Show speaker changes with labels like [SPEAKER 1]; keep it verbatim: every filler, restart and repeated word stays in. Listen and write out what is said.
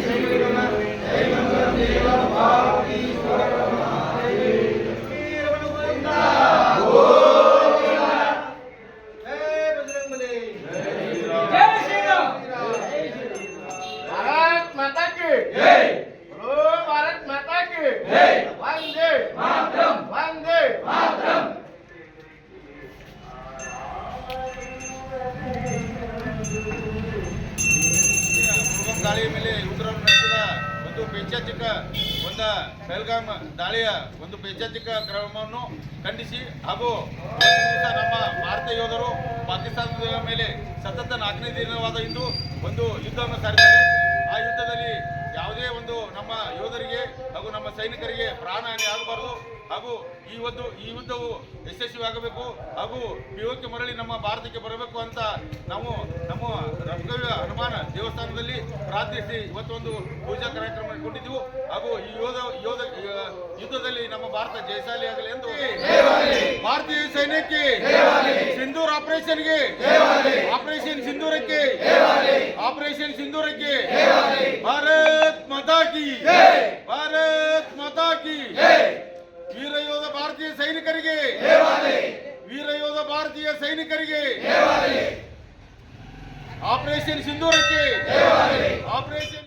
[SPEAKER 1] ದಾಳಿಯ ಮೇಲೆ ಉಗ್ರರು ನಡೆಸಿದ ಒಂದು ಪೈಶಾಚಿಕ ಒಂದು ಬೆಲ್ಗಾಮ್ ದಾಳಿಯ ಒಂದು ಪೈಶಾಚಿಕ ಕ್ರಮವನ್ನು ಖಂಡಿಸಿ ಹಾಗೂ ನಮ್ಮ ಭಾರತೀಯ ಯೋಧರು ಪಾಕಿಸ್ತಾನದ ಮೇಲೆ ಸತತ ನಾಲ್ಕನೇ ದಿನವಾದ ಇಂದು ಒಂದು ಯುದ್ಧವನ್ನು ಸಾರಿದ್ದಾರೆ. ಆ ಯುದ್ಧದಲ್ಲಿ ಯಾವುದೇ ಒಂದು ನಮ್ಮ ಯೋಧರಿಗೆ ಹಾಗೂ ನಮ್ಮ ಸೈನಿಕರಿಗೆ ಪ್ರಾಣಹಾನಿ ಆಗಬಾರದು ಹಾಗೂ ಈ ಒಂದು ಈ ಯುದ್ಧವು ಯಶಸ್ವಿಯಾಗಬೇಕು ಹಾಗೂ ಪಿಒಕೆ ಮರಳಿ ನಮ್ಮ ಭಾರತಕ್ಕೆ ಬರಬೇಕು ಅಂತ ನಾವು ನಮ್ಮ ರಮಗವ್ಯ ಹನುಮಾನ ದೇವಸ್ಥಾನದಲ್ಲಿ ಪ್ರಾರ್ಥಿಸಿ ಇವತ್ತೊಂದು ಪೂಜಾ ಕಾರ್ಯಕ್ರಮ ಕೊಂಡಿದ್ದೆವು ಹಾಗೂ ಈ ಯೋಧ ಯೋಧ ಯುದ್ಧದಲ್ಲಿ ನಮ್ಮ ಭಾರತ ಜಯಶಾಲಿ ಆಗಲಿ ಎಂದು ಭಾರತೀಯ ಸೈನ್ಯಕ್ಕೆ ಸಿಂಧೂರ್ ಆಪರೇಷನ್ಗೆ ಆಪರೇಷನ್ ಸಿಂಧೂರಕ್ಕೆ ಆಪರೇಷನ್ ಸಿಂಧೂರಕ್ಕೆ ಭಾರತ್ ಮಾತಾ ಕಿ ಭಾರತ್ ಮಾತಾ ಕಿ ವೀರ ಯೋಧ ಭಾರತೀಯ ಸೈನಿಕರಿಗೆ ವೀರ ಯೋಧ ಭಾರತೀಯ ಸೈನಿಕರಿಗೆ ಆಪರೇಷನ್ ಸಿಂಧೂರಕ್ಕೆ ಆಪರೇಷನ್